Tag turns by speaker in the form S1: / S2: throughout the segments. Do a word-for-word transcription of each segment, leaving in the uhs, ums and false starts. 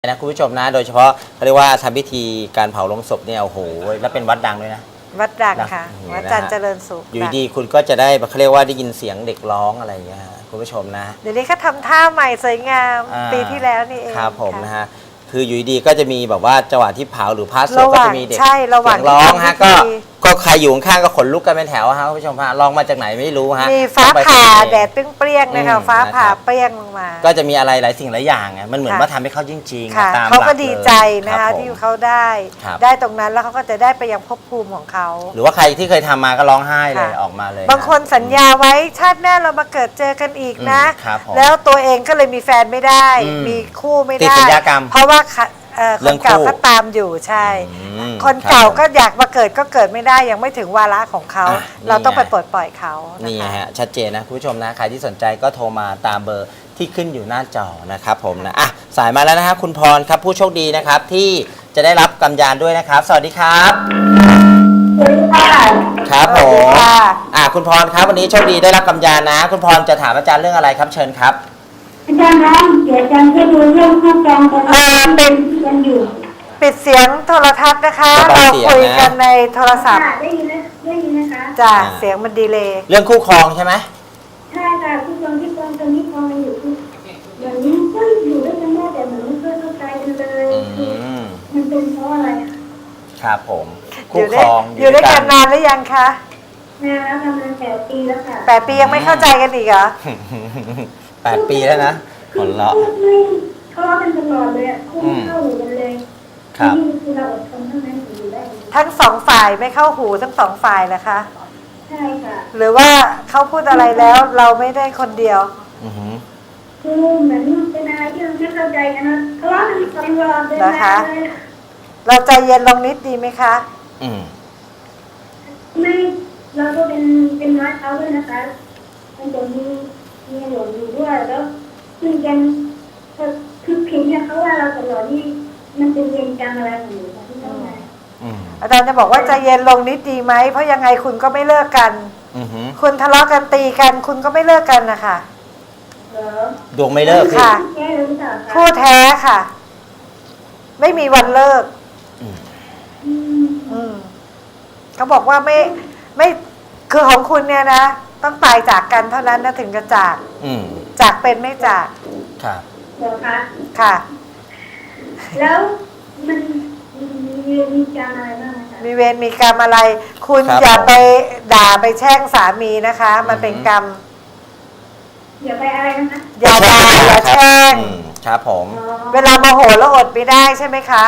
S1: นะคุณผู้ชมนะโดยเฉพาะเขาเรียกว่าทำพิธีการเผาลงศพเนี่ยโอ้โหแล้วเป็นวัดดังด้วยนะ
S2: วัดดังค่ะวัดจันทร์เจริญสุข
S1: อยู่ดีคุณก็จะได้เขาเรียกว่าได้ยินเสียงเด็กร้องอะไรอย่างเงี้ยคุณผู้ชมนะ
S2: เดี๋ยวนี้เขาทำท่าใหม่สวยงามปีที่แล้วนี่เอง
S1: ครับผมนะฮะคืออยู่ดีก็จะมีแบบว่าจังหวะที่เผาหรือพระสวดก็จะมีเด็ก
S2: ใช่ระหว่าง
S1: ร้องฮะก็ก็ใครอยู่ข้างก็ขนลุกกันเป็นแถวฮะคุณผู้ชมฮะร้องมาจากไหนไม่รู้ฮะ
S2: มีฟ้าผ่าแดดเปรี้ยงๆนะคะฟ้าผ่าเปรี้ยงลงมา
S1: ก็จะมีอะไรหลายสิ่งหลายอย่างไงมันเหมือนว่าทำให้เขาจริงๆตาม
S2: เขาก็ดีใจนะคะที่เขาได้ได้ตรงนั้นแล้วเขาก็จะได้ไปยังภพภูมิของเขา
S1: หรือว่าใครที่เคยทำมาก็ร้องไห้เลยออกมาเลย
S2: บางคนสัญญาไว้ชาติหน้าเรามาเกิดเจอกันอีกนะแล้วตัวเองก็เลยมีแฟนไม่ได้มีคู่ไม่ได้เพราะว่าคนเก่าก็ตามอยู่ใช่คนเก่าก็อยากมาเกิดก็เกิดไม่ได้ยังไม่ถึงวาระของเขาเราต้องไปปลดปล่อยเขา
S1: นี่ฮะชัดเจนนะคุณผู้ชมนะใครที่สนใจก็โทรมาตามเบอร์ที่ขึ้นอยู่หน้าจอนะครับผมนะอ่ะสายมาแล้วนะครับคุณพรครับผู้โชคดีนะครับที่จะได้รับกำยานด้วยนะครับสวัสดีครับ
S3: สวัสดีค่ะ
S1: ครับผมอ่ะคุณพรครับวันนี้โชคดีได้รับกำยานนะคุณพรจะถามอาจารย์เรื่องอะไรครับเชิญครับ
S3: อาจารย์ครับเดี๋ยวอาจารย์ช่วยดูเรื่องคู่กรรมตอนนี้เป็นกันอยู่
S2: ปิดเสียงโทรทัศน์นะคะเราคุยกันในโทรศัพท์
S3: ได้ยินนะได้ยินนะคะ
S2: จ้ะเสียงมันดีเลย
S1: เรื่องคู่ครองใช่ไหม
S3: ใช่ค่ะคู่ครองที่กองตอนนี้กองอยู่อย่างนี้ก็อยู่ด้วยกันได้แต่เหมือนไม่เคยเข้าใจกันเลยมันเป็นเพราะอะไร
S1: ครับผมคู่ครอง
S2: อยู่ด้วยกันนานหรือยังคะ
S3: นานแล้วประมาณแปดปีแล้วค่ะ
S2: แปดปียังไม่เข้าใจกันอีกเหรอ
S1: แปดปีแล้วนะผลเลาะ
S3: ทะเลาะกันตลอดเลยคู่เข้าหูกันเลย
S1: ครับ
S3: คือเราอดทนเท่านั้นอยู่ได้
S2: ทั้งสองฝ่ายไม่เข้าหูทั้งสองฝ่ายเหรอคะ
S3: ใช่ค่ะ
S2: หรือว่าเขาพูดอะไรแล้วเราไม่ได้คนเดียว
S3: คือเหมือนเป็นอะไรที่เราไม่เข้าใจกันนะทะเลาะกันตลอดเลย
S2: นะคะเราใจเย็นลงนิดดีไหมคะ
S1: อืม
S3: ไม่เราก็เป็นเป็นน้อยเขาด้วยนะคะมันจะมีมีหลงอยู่ด้วยแล้วคุยกันคือผิดเนี่ยเขาว่าเราตลอดนี่มันเป็นเวรกรรมอะไรของหนูคะที่ต้องมา
S2: อาจารย์จะบอกว่าใจเย็นลงนิดดีไหมเพราะยังไงคุณก็ไม่เลิกกันคุณทะเลาะกันตีกันคุณก็ไม่เลิกกันนะคะ
S1: ดวงไม่เลิก
S2: ค่ะคู่แท้ค่ะไม่มีวันเลิกเขาบอกว่าไม่ไม่คือของคุณเนี่ยนะต้องตายจากกันเท่านั้นนะถึงจะจากจากเป็นไม่จาก
S1: ครับ
S3: เหรอคะ
S2: ค่ะ
S3: แล้วมันมีเวรมีกรรมอะไรบ้างคะ
S2: มีเวรมีกรรมอะไรคุณอย่าไปด่าไปแช่งสามีนะคะมันเป็นกรรม
S3: อย่าไปอะไรนะคะ
S2: อย่าด่าอย่าแช่ง
S1: ครับผม
S2: เวลาโมโหแล้วอดไม่ได้ใช่ไหมคะ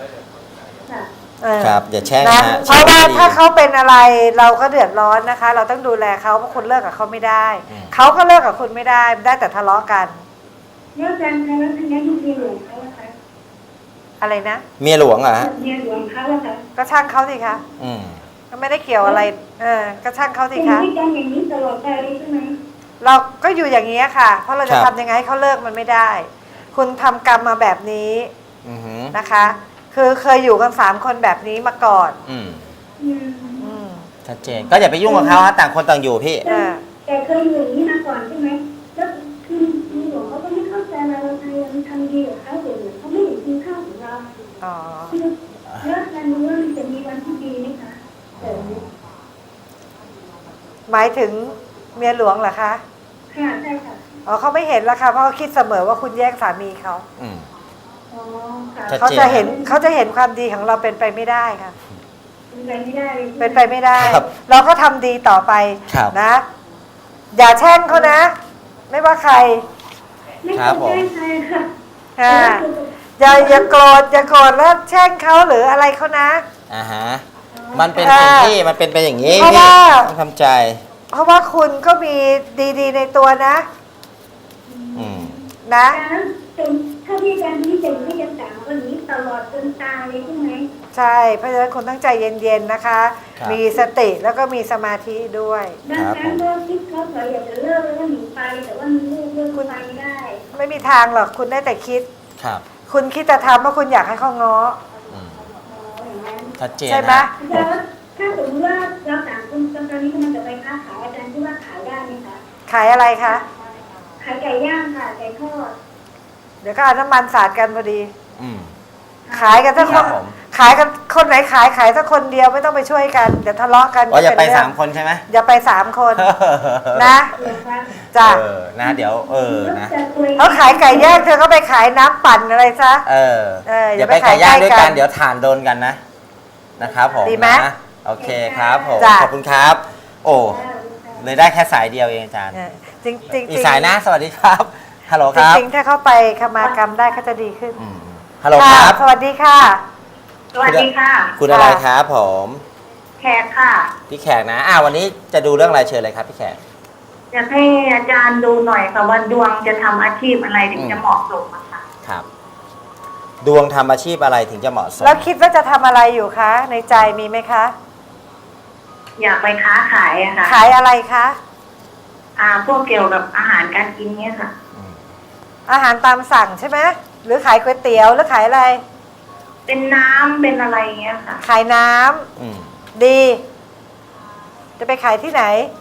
S1: ครับอย่าแช่ง
S2: นะเพราะว่าถ้าเขาเป็นอะไรเราก็เดือดร้อนนะคะเราต้องดูแลเขาเพราะคุณเลิกกับเขาไม่ได้เขาก็เลิกกับคุณไม่ได้ได้แต่ทะเลาะกัน
S3: เลิกกันแล้วทางนี้เมียหลวงเขาอะคะ
S2: อะไรนะ
S1: เมียหลวงเหรอ
S3: เมียหลวงเขาอะคะ
S2: ก็ช่างเขาสิคะก็ไม่ได้เกี่ยวอะไรเออก็ช่างเขาสิคะ
S3: เป็นกันอย่างนี้ตลอดไปใช่ไหม
S2: เราก็อยู่อย่างนี้ค่ะเพราะเราจะทำยังไงให้เขาเลิกมันไม่ได้คุณทำกรรมมาแบบนี้นะคะคือเคยอยู่กันสามคนแบบนี้มาก่อน
S1: อืมอืมชัดเจนก็อย่าไปยุ่งกับเขาฮะต่างคนต่างอยู่พี่
S3: แต่เคยอยู่อย่างนี้มาก่อนใช่ไหมแล้วคือมีหลวงเขาก็ไม่เข้าใจเราเราทำดีกับเขาเดี๋ยวเขาไม่เห็นคุณค่าของเรา
S2: อ๋อ
S3: แล้วการรู้ว่ามันจะมีวันที่ดีไหมคะ
S2: หมายถึงเมียหลวงเหรอคะ
S3: ค่ะใช่ค่ะ
S2: อ๋อเขาไม่เห็นแล้วค่ะเพราะเขาคิดเสมอว่าคุณแย่งสามีเขา
S1: อืม
S2: เขาจะเห็นเขาจะเห็นความดีของเราเป็นไปไม่ได้ค่ะ
S3: เป็นไปไม่ได้
S2: เป็นไปไม่ได้เราก็ทำดีต่อไปนะอย่าแช่งเขานะไม่ว่าใคร
S3: ไม่ครับผม
S2: ค่ะอย่าอย่าโกรธอย่าโกรธแล้วแช่งเขาหรืออะไรเขานะ
S1: อ่าฮะมันเป็นสิ่งที่มันเป็นไปอย่างนี้พี่ต้องทำใจ
S2: เพราะว่าคุณก็มีดีๆในตัวนะนะ
S3: ถ้าพี่อาจารย์ที่จะไม่จะสามวันนี้ตลอดจนตายเลยใช่ไหม
S2: ใช่เพราะฉะนั้นคุณตั้งใจเย็นๆนะคะมีสติแล้วก็มีสมาธิด้วย
S3: บางครั้งก็คิดเขาเผยอยากจะเลิกแล้วก็หนีไปแต่ว่ามันเลิกเลิกไปไม่ได้
S2: ไม่มีทางหรอกคุณได้แต่คิด
S1: ครับ
S2: คุณคิดจะทำเพราะคุณอยากให้เขาง้อ
S1: ชัดเจน
S2: ใช่ไหม
S3: ถ้าสมมติว่าเราต่างคนตอนนี้มันจะไปค้าขายอาจารย์ที่ว่าขายได้ไหมคะ
S2: ขายอะไรคะ
S3: ขายไก่ย่างค่ะไก่ทอด
S2: เดี๋ยวก็เอาน้ำมันสาดกันพอดี
S1: อืม
S2: ขายกันถ้าค
S1: ครั
S2: น
S1: บผม
S2: ขายกันคนไหนขายขายถ้าคนเดียวไม่ต้องไปช่วยกันเดี๋ยวทะเลาะกัน
S1: อ๋ออย่าไป
S2: เรื่อง
S1: สามคนใช่ไหม
S2: อย่าไปสามคนนะ
S3: เหรอคะ
S2: จ้ะ
S1: เออนะเดี๋ยวเออนะ
S3: จะคุย
S2: เขาขายไก่ย่างเธอก็ไปขายน้ำปั่นอะไรซะ
S1: เออ
S2: เอออย่า
S1: อย่า
S2: ไป
S1: ไปไก่ย่าง
S2: ขายใกล้
S1: ด้วยกั
S2: กัน น
S1: เดี๋ยวถ่านโดนกันนะนะครับผม
S2: ดีไหม
S1: นะโอเคครับผม
S2: จ้ะ
S1: ขอบคุณครับ โอ้เลยได้แค่สายเดียวเองอาจารย์
S2: เออจริงจริง
S1: อีกสายนะสวัสดีครับฮัลโหลครับ
S2: จริงๆถ้าเขาไปขมากรรมได้เขาจะดีขึ้น
S1: อืมฮัลโหลค
S2: ค่ะ
S1: รับ
S2: สวัสดีค่ะ
S3: สวัสดีค่ะ
S1: คุณอะไรครับผม
S3: แขกค่ะ
S1: พี่แขกนะอ่าวันนี้จะดูเรื่องอะไรเชิญเลยครับพี่แขก
S3: อยากให้อาจารย์ดูหน่อยค่ะว่าดวงจะทำอาชีพอะไรถึงจะเหมาะสมอะค่ะ
S1: ครับ ดวงทำอาชีพอะไรถึงจะเหมาะสม
S2: แล้วคิดว่าจะทำอะไรอยู่คะ ในใจมีไหมคะ
S3: อยากไปค้าขายอะค่ะ
S2: ขายอะไรคะ
S3: อ่าพวกเกี่ยวกับอาหารการกินเนี่ยค่ะ
S1: อืม
S2: อาหารตามสั่งใช่ไหมหรือขายก๋วยเตี๋ยวหรือขายอะไร
S3: เป็นน้ำเป็นอะไรเงี้ยค่ะ
S2: ขายน้ำ
S1: อืม
S2: ดี จะไปขายที่ไหน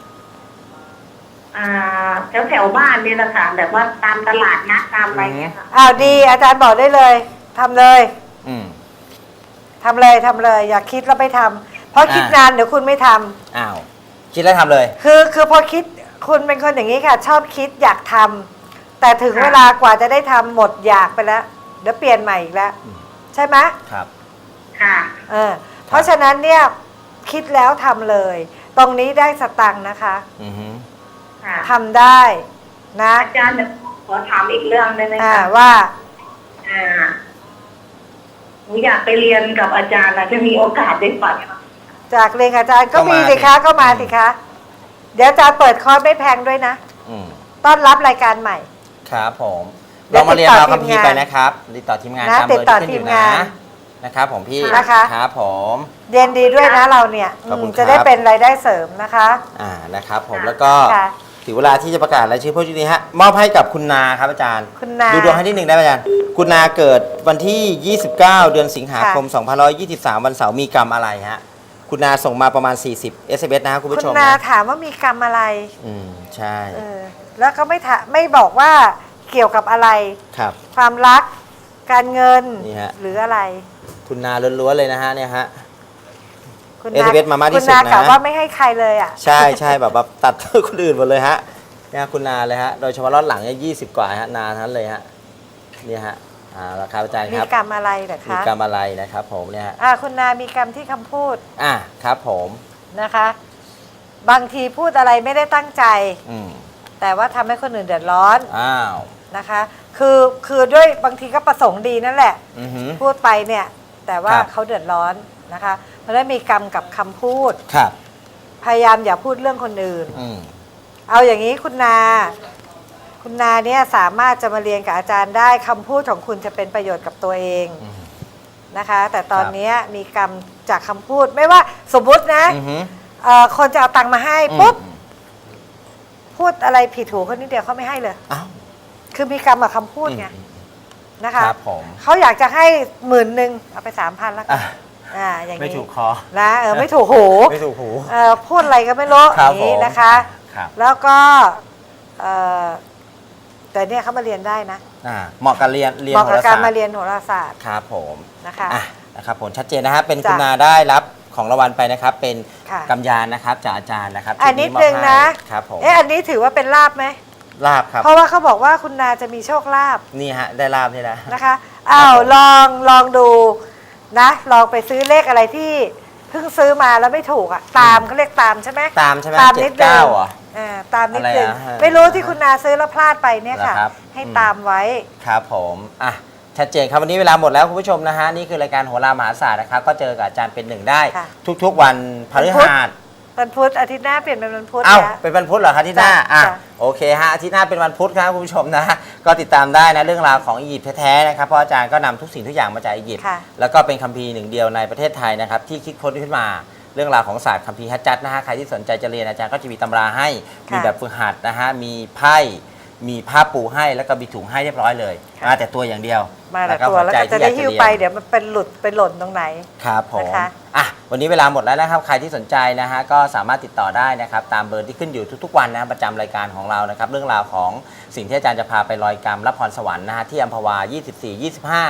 S3: อ่าแถวแถวๆบ้านนี่แหละค่ะแบบว่าตามตลาดนัดตามอะไรเงี้ยค่ะ
S2: อ้าวดี อาจารย์บอกได้เลยทำเลย
S1: อืม
S2: ทำเลยทำเลย อย่าคิดแล้วไปทำเพราะคิด
S1: อ่าน
S2: นานเดี๋ยวคุณไม่ทำ
S1: อ้าวคิดแล้วทำเลย
S2: คือคือพอคิดคุณเป็นคนอย่างนี้ค่ะ ชอบคิดอยากทำแต่ถึงเวลากว่าจะได้ทำหมดอยากไปแล้ว เดี๋ยวเปลี่ยนใหม่อีกแล้ว
S1: อืม
S2: ใช่ไหม
S1: ครับ
S3: ค่ะ
S2: เออเพราะฉะนั้นเนี่ยคิดแล้วทำเลย ตรงนี้ได้สตังค์นะคะ
S1: อือฮึ
S3: ค่ะ
S2: ทำได้นะ
S3: อาจารย์เดี๋ยวขอถามอีกเรื่องได้ไหม
S2: อ่า
S3: คะ
S2: ว่า
S3: อ่าหนูอยากไปเรียนกับอาจารย์นะจะมีโอกาสได้ไปไหม
S2: จากเรียนกับอาจารย์ก็
S1: ก็มา
S2: มีสิคะ
S1: สิ
S2: ก็มา
S1: อืม
S2: สิคะ เดี๋ยวอาจารย์เปิดคอร์สไม่แพงด้วยนะ
S1: อืม
S2: ต้อนรับรายการใหม่
S1: ครับผม
S2: เดี๋
S1: ล
S2: ยว
S1: องมาเรียน
S2: ติดต่อ
S1: เอาคัมภี
S2: ทีม
S1: ร์
S2: งาน
S1: ไปนะครับติดต่อทีมงาน
S2: นะ
S1: ตามเบอร์
S2: ติดต่อ
S1: ที่ขึ้นอยู่
S2: ทีมงา
S1: นะ
S2: น
S1: นะครับผมพี่
S2: นะคะ
S1: ครับผม
S2: เรียนดีด้วยนะเราเนี่ย
S1: ขอบคุณ
S2: อืมจะได้
S1: ครับ
S2: เป็นรายได้เสริมนะคะ
S1: อ่านะครับผม
S3: ค่ะ
S1: แล้วก็
S2: ค่ะ
S1: ถึงเวลาที่จะประกาศรายชื่อผู้โชคดีฮะมอบให้กับคุณนาครับอาจารย์
S2: คุณนา
S1: ดูดวงให้นิดหนึ่งได้ไหมอาจารย์คุณนาเกิดวันที่ ยี่สิบเก้า เดือนสิงหาคม สองพันหนึ่งร้อยยี่สิบสาม วันเสาร์มีกรรมอะไรฮะคุณนาส่งมาประมาณ สี่สิบ เอส เอ็ม เอส นะครับคุณ
S2: คุ
S1: ผู้
S2: ณ
S1: ชม
S2: นา
S1: นะ
S2: ถามว่ามีกรรมอะไร
S1: อืมใช่
S2: เออแล้วก็ไม่ถาไม่บอกว่าเกี่ยวกับอะไร
S1: ครับ
S2: ความรัก การเงิน
S1: นี่ฮะ
S2: หรืออะไร
S1: คุณนาล้วนๆเลยนะฮะเนี่ยฮะ
S2: คุณ
S1: เอส เอ็ม เอส มามากที่สุดนะ
S2: คุณนากล่าวว่าไม่ให้ใครเลยอ่ะ
S1: ใช่ใช่แบบแบบตัด คนอื่นหมดเลยฮะเนี่ยคุณนาเลยฮะโดยเฉพาะรอดหลังเนี่ยยี่สิบกว่าฮะนาทั้งนั้นเลยฮะเนี่ยฮะอ่าราคาอาจารย์
S2: มี
S1: ครับ
S2: กรรมอะไรเหรอ
S1: มี
S2: คะ
S1: กรรมอะไรนะครับผมเนี่ยฮะ
S2: อ่าคุณนามีกรรมที่คำพูด
S1: อ่ะครับผม
S2: นะคะ บางทีพูดอะไรไม่ได้ตั้งใจ
S1: อืม
S2: แต่ว่าทำให้คนอื่นเดือดร้อน
S1: อ้าว
S2: นะคะ คือคือด้วยบางทีก็ประสงค์ดีนั่นแหละ
S1: อือหือ
S2: พูดไปเนี่ยแต่ว่า
S1: ครับ
S2: เขาเดือดร้อนนะคะเพราะฉะนั้นมีกรรมกับคำพูด
S1: ครับ
S2: พยายามอย่าพูดเรื่องคนอื่น
S1: อืม
S2: เอาอย่างนี้คุณนา คุณนาเนี่ยสามารถจะมาเรียนกับอาจารย์ได้คำพูดของคุณจะเป็นประโยชน์กับตัวเอง
S1: อืม
S2: นะคะ แต่ตอนนี้มีกรรมจากคำพูดไม่ว่าสมมุตินะ
S1: อือหือ
S2: เอ่อคนจะเอาตังค์มาให้
S1: อืม
S2: ปุ๊บพูดอะไรผิดหูคนนิดเดียวเขาไม่ให้เลย
S1: อ้าว
S2: คือมีกรรมกับคำพูดไง
S1: อืม
S2: นะคะ
S1: ครับผม
S2: เขาอยากจะให้หมื่นหนึ่งเอาไปสามพันแล้วกั
S1: อ่ะ
S2: นอ่าอย่าง
S1: ไม่
S2: นี้
S1: ถูกคอ
S2: นะเออไม่ถูกหู
S1: ไม่ถูกหู
S2: เออพูดอะไรก็ไม่รู้
S1: ค
S2: อ
S1: รับ
S2: ย่างนี้
S1: ผม
S2: นะคะ
S1: ครับ
S2: แล้วก็เอ่อแต่เนี่ยเขามาเรียนได้นะ
S1: อ่าเหมาะกับเรียนเรียน
S2: เหมาะ
S1: โห
S2: กับ
S1: รา
S2: การ
S1: ศาสต
S2: มา
S1: ร์
S2: เรียนโหราศาสตร์
S1: ครับผม
S2: นะคะ
S1: อ่ะนะครับผมชัดเจนนะฮะเป็นคุณ
S2: จ้ะ
S1: นาได้รับของรางวัลไปนะครับ เป็น
S2: ค่ะ
S1: กำยานนะครับจากอาจารย์นะครับ
S2: อันนิด
S1: ที่มบ
S2: นึงนะ
S1: ให้ครับผม
S2: เอ๊ะอันนี้ถือว่าเป็นลาบไหม
S1: ลาบครับ
S2: เพราะว่าเขาบอกว่าคุณนาจะมีโชคลาภ
S1: นี่ฮะได้ลาบนี่แหละ
S2: นะคะอ้าว
S1: ผม
S2: ลองลองดูนะลองไปซื้อเลขอะไรที่เพิ่งซื้อมาแล้วไม่ถูกอ่ะตามเขาเรียกตามใช่ไหม
S1: ตามใช่ไหม
S2: ตาม
S1: เจ็
S2: นิ
S1: ด
S2: ดนึง
S1: เก้าเหรอ
S2: อ่าตามนิดนึง
S1: อะไรอะ
S2: ไม่รู้ที่คุณนาซื้อแล้วพลาดไปเนี่ยค่ะ
S1: เหรอครับ
S2: ให้
S1: อืม
S2: ตามไว้
S1: ครับผมอ่ะชัดเจนครับวันนี้เวลาหมดแล้วคุณผู้ชมนะฮะนี่คือรายการโหรามหาศาสตร์นะครับก็เจอกับอาจารย์เป็นหนึ่งได้
S2: ค่ะ
S1: ทุกๆวันพฤหัส
S2: วันพุธอาทิตย์หน้าเปลี่ยนเป็นวันพุธ
S1: เอ้า
S2: แล้ว
S1: เป็นวันพุธเหรอครับอาที่หน้า
S2: จ้ะ
S1: อ่ะ
S2: จ้ะ
S1: โอเคฮะอาทิตย์หน้าเป็นวันพุธครับคุณผู้ชมนะก็ติดตามได้นะเรื่องราวของอียิปต์แท้ๆนะครับเพราะอาจารย์ก็นำทุกสิ่งทุกอย่างมาจากอียิปต์
S2: ค่ะ
S1: แล้วก็เป็นคัมภีร์หนึ่งเดียวในประเทศไทยนะครับที่คิดค้นขึ้นมาเรื่องราวของศาสตร์คัมภีร์ฮัจจัดนะฮะใครที่สนใจจะเรียนอาจารย์ก็จะมีตำราให้มีแบบฝึกหัดนะฮะมีไพ่มีผ้าปูให้แล้วก็มีถุงให้เรียบร้อยเลยมาแต่ตัวอย่างเดียว
S2: มาแต่
S1: ก็
S2: ตัวแล้วก็จะได้
S1: หั
S2: หิ้ว
S1: ใจที่อยา
S2: ไป
S1: เรียน
S2: เดี๋ยวมันเป็นหลุดไปหล่นตรงไหน
S1: ครับผม
S2: นะคะ
S1: อ่ะวันนี้เวลาหมดแล้วนะครับใครที่สนใจนะฮะก็สามารถติดต่อได้นะครับตามเบอร์ที่ขึ้นอยู่ทุกๆวันนะประจำรายการของเรานะครับเรื่องราวของสิ่งที่อาจารย์จะพาไปลอยกรรมรับพรสวรรค์นะฮะที่อัมพวา ยี่สิบสี่ ยี่สิบห้า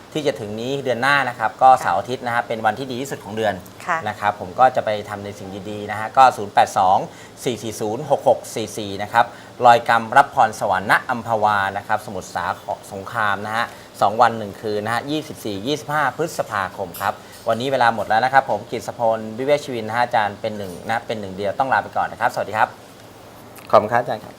S1: ที่จะถึงนี้เดือนหน้านะครับก็เสาร์อาทิตย์นะฮะเป็นวันที่ดีที่สุดของเดือน
S2: ค่ะ
S1: นะครับผมก็จะไปทำในสิ่งดีๆนะฮะก็ ศูนย์ แปด สอง สี่ สี่ ศูนย์ หก หก สี่ สี่ นะครับลอยกรรมรับพรสวรรค์ณอัมพวานะครับสมุทรสาครสงครามนะฮะสองวันหนึ่งคืนนะฮะยี่สิบสี่ ยี่สิบห้า พฤษภาคมครับวันนี้เวลาหมดแล้วนะครับผมกฤษพลวิเวกชีวินนะฮะอาจารย์เป็นหนึ่งนะเป็นหนึ่งเดียวต้องลาไปก่อนนะครับสวัสดีครับขอบคุณครับอาจารย์ครับ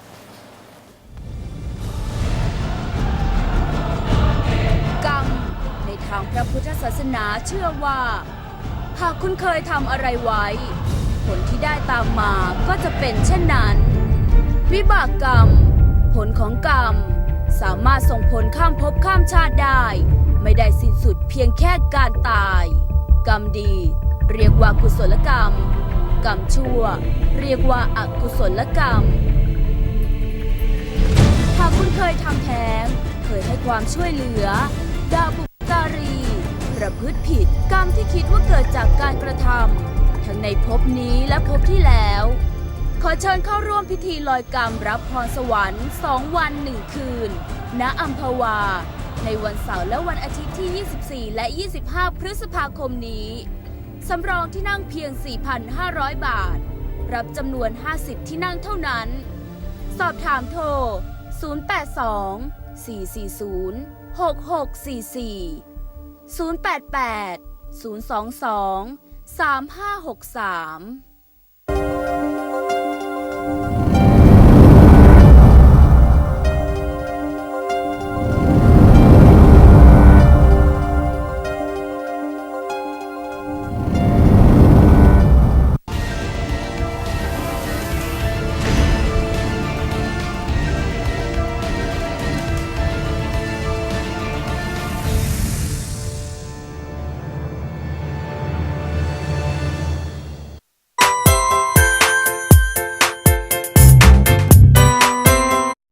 S4: กรรมในทางพระพุทธศาสนาเชื่อว่า หากคุณเคยทำอะไรไว้ ผลที่ได้ตามมาก็จะเป็นเช่นนั้น วิบากกรรม ผลของกรรม สามารถส่งผลข้ามภพข้ามชาติได้ ไม่ได้สิ้นสุดเพียงแค่การตาย กรรมดี เรียกว่ากุศลกรรม กรรมชั่ว เรียกว่าอกุศลกรรม หากคุณเคยทำแท้ง เคยให้ความช่วยเหลือด่าบุพการี ประพฤติผิดกรรมที่คิดว่าเกิดจากการกระทำทั้งในภพนี้และภพที่แล้ว ขอเชิญเข้าร่วมพิธีลอยกรรมรับพรสวรรค์สองวันหนึ่งคืน ณอัมพวา ในวันเสาร์และวันอาทิตย์ที่ ยี่สิบสี่ และ ยี่สิบห้า พฤษภาคมนี้ สำรองที่นั่งเพียง สี่พันห้าร้อย บาท รับจำนวน ห้าสิบ ที่นั่งเท่านั้น สอบถามโทร ศูนย์ แปด สอง สี่ สี่ ศูนย์ หก หก สี่ สี่ ศูนย์ แปด แปด ศูนย์ สอง สอง สาม ห้า หก สาม